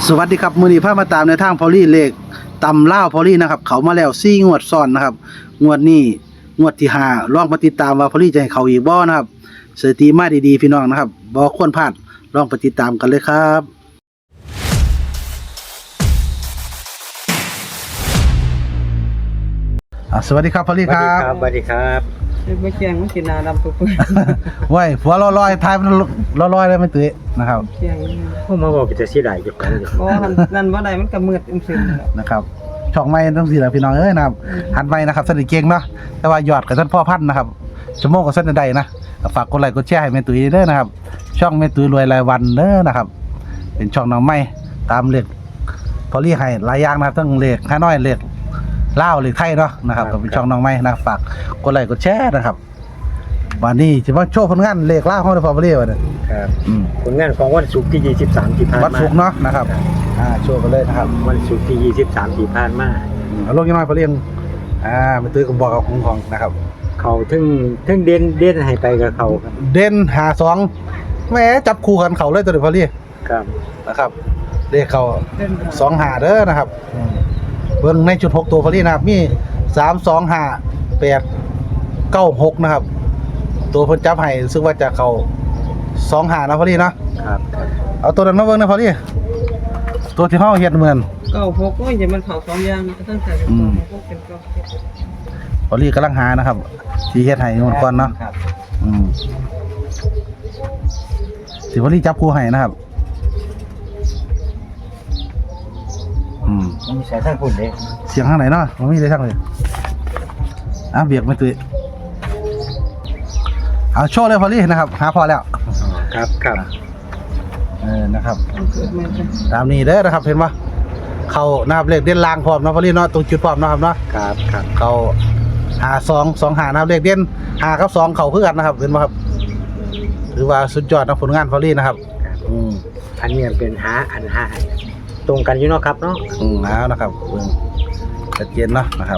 สวัสดีครับมื้อนี้พามาตามในทางพอลี่เลขตำล่าวพอลี่นะครับเขามาแล้ว4งวดซ้อนนะครับงวดนี้งวดที่5ลองมาติดตามว่าพอลี่จะให้เขาอีกบ่นะครับสถิติมาดีๆพี่น้องนะครับบ่ควรพลาดลองไปติดตามกันเลยครับสวัสดีครับพอลี่ครับสวัสดีครับไม่แจ้งมันกินนาดำตัวเปื่อยไว้ผัวลอยๆทายมันลอยๆได้ไม่ตื้อนะครับแจ้งพวกมาบอกจะสิได้อยู่กันอยู่บ่นั่นบ่ได้มันก็มืดอึมครึมแล้วนะครับช่องใหม่ต้องสิล่ะพี่น้องเอ้ยนะครับหัดใหม่นะครับสนิทเก่งเนาะแต่ว่ายอดกับท่านพ่อพันธุ์นะครับชั่วโมงกับท่านใดนะฝากกดไลค์กดแชร์ให้แม่ตุ้ยเด้อนะครับช่องแม่ตุ้ยรวยรายวันเด้อนะครับเป็นช่องน้องใหม่ตามเลขพอลี่ให้หลายอย่างนะครับทั้งเลขข้าน้อยเลขลาวเลขไทยเนาะนะครับก็เป็นช่องน้องใหม่นะฝากกดไลค์กดแชร์นะครับวันนี้จะมาโชว์ผลงานเลขลาวของพอลี่วันนี้ครับผลงานของวันศุกร์ที่23ที่ผ่านมาวันศุกร์เนาะนะครับโชว์กันเลยนะครับวันศุกร์ที่23ที่ผ่านมาเอาลงยังน้อยพอลี่แม่ตุ้ยก็บอกกับของนะครับเขาถึงเด่นให้ไปกับเขาครับเด่น52แหมจับคู่กันเขาเลยตัวเดียวพอลี่ครับนะครับเลขเขาเล่น 2-5เด้อนะครับเบิ่งในจุด6ตัวพอลี่นะครับมี3-2-5-8-9-6นะครับตัวเพิ่นจับให้ซึ่งว่าจะเข้า2-5นะพอลี่เนาะครับเอาตัวนั้นมาเบิ่งนะพอลี่ตัวที่เฮาเฮ็ดเหมือนเก้าพกโอ้ยอย่ามันเข้าสองอย่างตั้งแต่พกเป็นเก้าพอลี่กำลังหานะครับสิเฮ็ดให้มันก่อนเนาะครับสิพอลี่จับคู่ให้นะครับมันมีสายทางพุ่นเด้เสียงทางไหนเนาะมันมีได้ทางเลยเบียกไม่ตื่นเอาโชว์เลยพอลี่นะครับหาพอแล้วครับนะครับเกิดมาจ้ะตามนี้เด้อนะครับเห็นปะเขานะครับเลขเด่นล่างพร้อมเนาะพอลี่เนาะตรงจุดพร้อมเนาะครับเนาะครับเขา52-2-5นะครับเลขเด่น5กับ2เขาคือกันนะครับเห็นปะครับถือว่าสุดยอดนะผลงานพอลี่นะครับอันนี้เป็นอันหาตรงกันอยู่เนาะครับเนาะแล้วนะครับชัดเจนเนาะนะครับ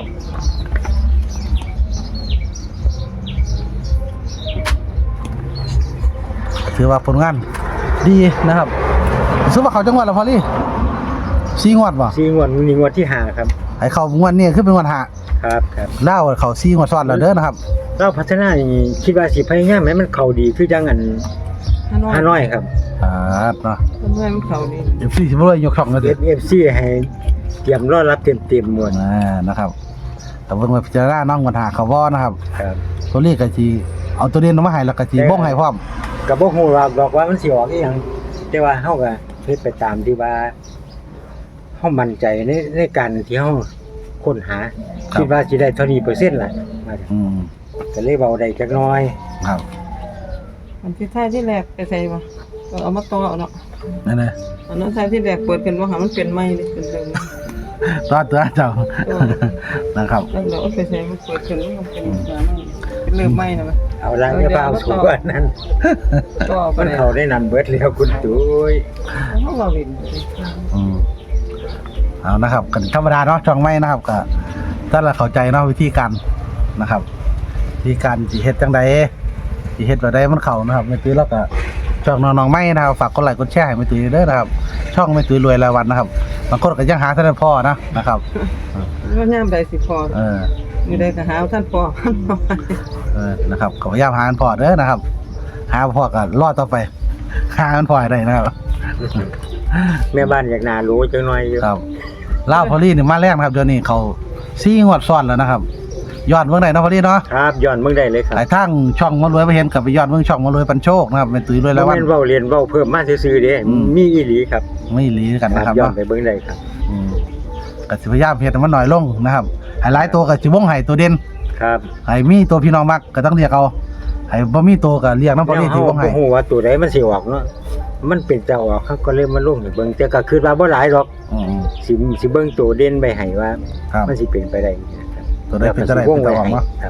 ถือว่าผลงานดีนะครับซื้อว่าเขาจังหวัดละพอลี่4 งวดป่ะ 4 งวดนี้งวดที่5ครับไอ้เขางวดนี้ขึ้นเป็นงวด5 ครับเล่าเขา4 งวดซ้อนแล้วเด้อนะครับเราพัฒนานี่คิดว่าสิพยายามให้มันเข้าดีคือจังอัน5น้อยครับเนาะมันเข้าดี FC สิบ่เลยยกช่องกันเด้อ FC ให้เตรียมรอรับเต็มหมดนะครับแต่เบิ่งว่าพิจารณาน้องงวด5เขาบ่นะครับครับตัวเลขก็สิเอาตัวเด่นมาให้แล้วก็สิบ่งให้พร้อมก็บ่ฮู้ว่าบอกว่ามันสิออกอีหยังแต่ว่าเฮาก็เฮ็ดไปตามที่ว่าเฮามั่นใจในการที่เฮาค้นหาคิดว่าสิได้เท่านี้เปอร์เซ็นต์ล่ะก็เลยเว้าได้จักหน่อยครับอันที่ท้ายที่แรกไปใส่บ่ก็เอามาต่อเนาะนั่นแหละอันนั้นท้ายที่แรกเปิดกันว่าหามันเป็นไม้เลยเป็นเรื่องตัวเจ้านะครับแล้วเราเอาไปใส่มันเปิดกันมันเป็นเรื่องไม้นะมันเอาละอย่าไปเอาสูงกว่านั้นก็เอาไปมันเลยเข้าได้นั่นเบิดแล้วคุณตุ้ยเขาเราเห็นเอานะครับกันธรรมดาเนาะช่องไม่นะครับก็ถ้าเราเข้าใจเนาะวิธีการนะครับวิธีการสิเฮ็ดจังใดสิเฮ็ดแบบใดมันเข้านะครับแม่ตุ้ยแล้วก็ช่องน้องๆไม่นะครับฝากกดไลค์กดแชร์ให้แม่ตุ้ยเด้อนะครับช่องแม่ตุ้ยรวยรายวันนะครับบางคนก็ยังหาท่านพ่อนะครับว่าย่ามใดสิพอมีได้ก็หาท่านพอนะครับก็พยายามหาพ่อเด้อนะครับหาพ่อก็รอต่อไปหาพ่อให้ได้นะครับแม่บ้านอยากน่ารู้จังหน่อยอยู่ครับลาวพอลี่นี่มาแรกนะครับเดี๋ยวนี้เขา4 งวดซ้อนแล้วนะครับยอดเบิ่งได้เนาะพอลี่เนาะครับย้อนเบิ่งได้เลยครับหลายทั้งช่องมารวยไปเห็นกับไปยอดเบิ่งช่องมารวยปันโชคนะครับเป็นตุ้ยรวยแล้วบ่วันแม่นเว้าเรียนเว้าเพิ่มมาซื่อๆเด้มีอีหลีครับไม่หลีกันนะครับย้อนเนาะไปเบิ่งได้ครับก็สิพยายามเฮ็ดให้มันน้อยลงนะครับให้หลายตัวก็สิวงให้ตัวเด่นครับให้มีตัวพี่น้องมักก็ต้องเรียกเอาให้บ่มีตัวก็เรียกนำพอลี่ที่วงให้บ่ฮู้ว่าตัวใดมันสิออกเนาะมันเป็นจะออกเขาก็เลยมาลงให้เบิ่งแต่ก็คิดว่าบ่หลายหรอก สิเบิ่งตัวเด่นไปให้ว่าครับมันสิเป็นไปได้นะครับตัวใดเป็นจะได้เป็นจะออกเนาะครับ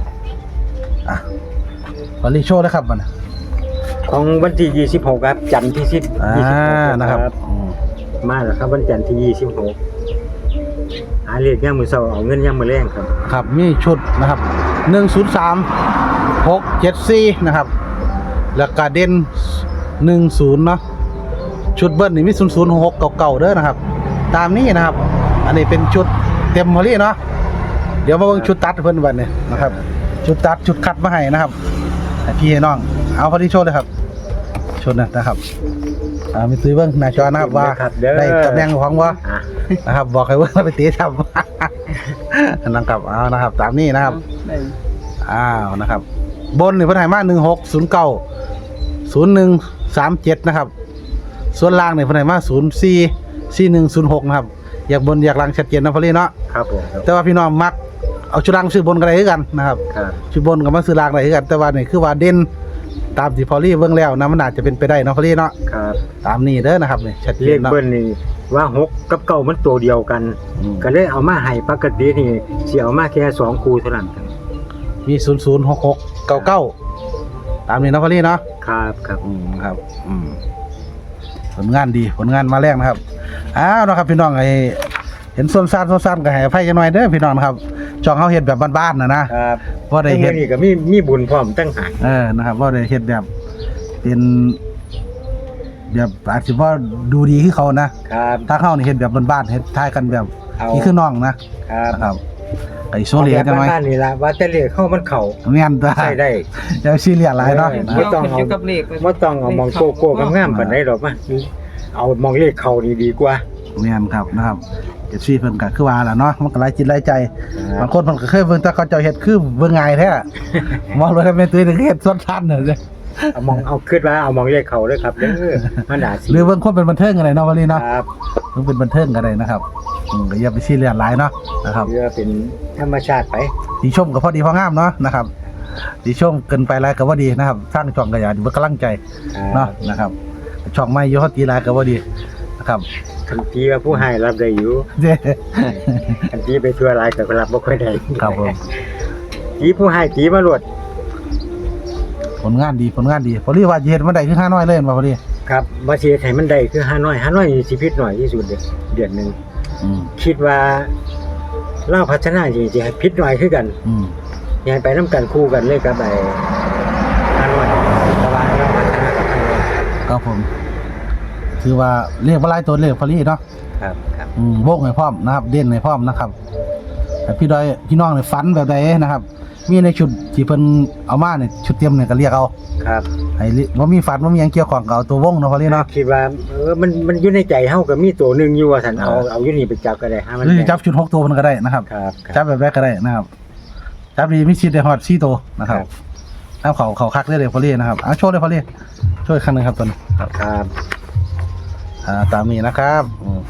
พอลี่โชว์นะครับมันของวันที่26ครับจันทร์ที่10 นะครับมาแล้วครับวันจันทร์ที่26หาเลขยามมื้อเช้าเอาเงินยามมื้อแลงครับครับมีชุดนะครับ103 674นะครับแล้วก็เด่น10เนาะชุดเบิ้ลนี่มี0066เก่าๆเด้อนะครับ ตามนี้นะครับ อันนี้เป็นชุดเต็มพอลี่เนาะเดี๋ยวมาเบิ่งชุดตัดเพิ่นวันนี้นะครับ ชุดตัดชุดคัดมาให้นะครับให้พี่ให้น้องเอาพอดีโชว์เลยครับชุดนะครับมีตื้อเบิ่งหน้าจอนะครับว่าได้ตำแหน่งของบ่อ่ะนะครับบอกให้เบิ่งแล้วไปตีทำ นะครับเอานะครับ ตามนี้นะครับได้นะครับ บนนี่เพิ่นให้มา1609 0137นะครับส่วนล่างนี่เพิ่นให้มา044106นะครับอยากบนอยากล่างชัดเจนนะพอลี่เนาะครับผมครับแต่ว่าพี่น้องมักเอาชุดล่างซื้อบนก็ได้คือกันนะครับครับชุดบนกับมาซื้อล่างได้คือกันแต่ว่านี่คือว่าเด่นตามที่พอลี่เบิ่งแล้วนะมันอาจจะเป็นไปได้เนาะพอลี่เนาะครับตามนี้เด้อนะครับนี่ชัดเจเลนขเนาะเบิ้ลนี่ว่า6กับ9มันตัวเดียวกันอืมก็เลยเอามาให้ปกตินี่สิเอามาแค่2คู่เท่านั้นครับมี006699ตามนี้เนาะพอลี่เนาะครับครับครับผลงานดีผลงานมาแรกนะครับนะครับพี่น้องไอ้เห็นส้นซ่านก็ให้อภัยกันหน่อยเด้อพี่น้องนะครับช่องเฮาเฮ็ดแบบบ้านๆนะครับ บ่ได้เฮ็ดนี่ก็มีบุญพร้อมตั้งหากนะครับบ่ได้เฮ็ดแบบเป็นแบบอาจสิบ่ดูดีคือเขานะครับ ถ้าเฮานี่เฮ็ดแบบบ้านๆเฮ็ดทายกันแบบเอานี่คือน้องนะครับ นะครับไอ้โซเลียกันหน่อยบ้านๆนี่ล่ะว่าแต่เลขเข้ามันเข้าแม่นตาใช้ได้อย่าซีเรียสหลายเนาะเออนะบ่ต้องเอาเกี่ยวกับเลขบ่ต้องเอามองโก้ๆงามๆปานใดดอกมาเอามองเลขเข้านี่ดีกว่าแม่นครับนะครับFC เพิ่นก็คือว่าล่ะเนาะมันก็หลายจิตหลายใจครับบางคนมันก็เคยเบิ่งแต่เขาเจ้าเฮ็ดคือเบิ่งง่ายแท้ มองเลยเป็นตุ้ยเฮ็ดส่วนทันเด้อเอาคิดว่าเอามองเลขเข้าเด้อครับเด้อมันน่าสิหรือเบิ่งคนเป็นบันเทิงกันได้เนาะวันนี้เนาะครับเบิ่งเป็นบันเทิงกันได้นะครับก็อย่าไปซีเรียสหลายเนาะนะครับเพื่อเป็นธรรมชาติไปดีชมก็พอดีพองามเนาะนะครับดีชมเกินไปหลายก็บ่ดีนะครับสร้างช่องก็อย่าเบิ่งกำลังใจเนาะนะครับช่องใหม่อยู่เฮาตีหลายก็บ่ดีนะครับคันทีว่าผู้ให้รับได้อยู่เด้คันทีไปทั่วหลายก็รับบ่ค่อยได้ครับผมทีผู้ให้ทีมาโลดผลงานดีพอดีว่าสิเฮ็ดมันได้คือ5น้อยเลยบ่พอดีครับบ่สิเฮ็ดให้มันได้คือ5น้อยนี่สิผิดน้อยที่สุดเดือนหนึงอืมคิดว่าเราพัฒนาจริงๆให้ผิดน้อยคือกันอืมอยังไปนํกันคู่กันเลยกับไอ้5น้อยแต่ว่าเราพัฒนากับ5น้อยครับผมถือว่าเรียกว่าหลายตัวเลขพอดีเนาะครับครับวงให้พร้อมนะครับ เด่นให้พร้อมนะครับแต่พี่ดอยพี่น้องเนี่ยฝันแบบใดนะครับ มีในชุดที่เพิ่นเอามาเนี่ยชุดเตรียมเนี่ยก็เรียกเอาครับให้บ่มีฝันบ่มีหยังเกี่ยวข้องกับเอาตัววงเนาะพอดีเนาะคิดว่ามันอยู่ในใจเฮาก็มีตัวหนึงอยู่ว่าซั่นเอาอยู่นี่ไปจับก็ได้หามันหรือจะจับชุด6ตัวมันก็ได้นะครับครับจับแบบใดก็ได้นะครับจับดีมีสิทธิ์ได้ฮอด4ตัวนะครับเอาเขาคักได้เลยพอดีนะครับเอาโชว์เลยพอดีช่วยอีกครั้งหนึงครับตัวนี้ครับครับตามนี้นะครับ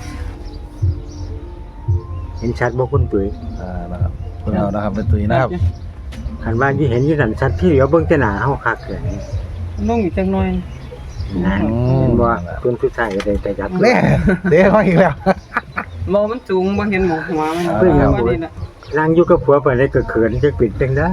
เห็นชัดบ่คุณตุ้ยนะครับเพิ่นเอานะครับเป็นตุยนะครับคันว่าที่เห็นอยู่นั่นชัดที่เหลียวเบิ่งแต่หน้าเฮาคักเลยลงอีกจังหน่อยนะเห็นบ่คนผู้ชายก็ได้ไปจับแน่เด้เขาอีกแล้วบ่มันสูงบ่เห็นหมูหัวมันเพิ่งเอาว่านี่ล่ะนั่งอยู่กับผัวไปได้ก็เขินจะปิดจังได้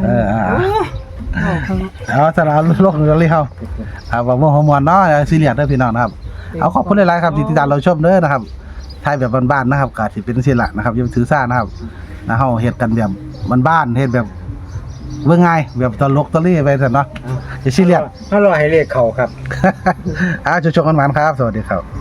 เอาสารบโลกกันเลยครับว่าฮอร์โมนเนาะซีเรียสเด้อพี่น้องนะครับเอาขอบคุณหลายๆครับที่ติดตามเราชมเด้อนะครับไทยแบบบ้านๆนะครับก็สิเป็นสิละนะครับอย่าไปถือซ่านะครับนะเฮาเฮ็ดกันแบบบ้านๆเฮ็ดแบบเบิ่งง่ายแบบตลกตะลี่ไปซั่นเนาะอย่าซีเรียสถ้ารอให้เลขเข้าครับชมกันหวานครับสวัสดีครับ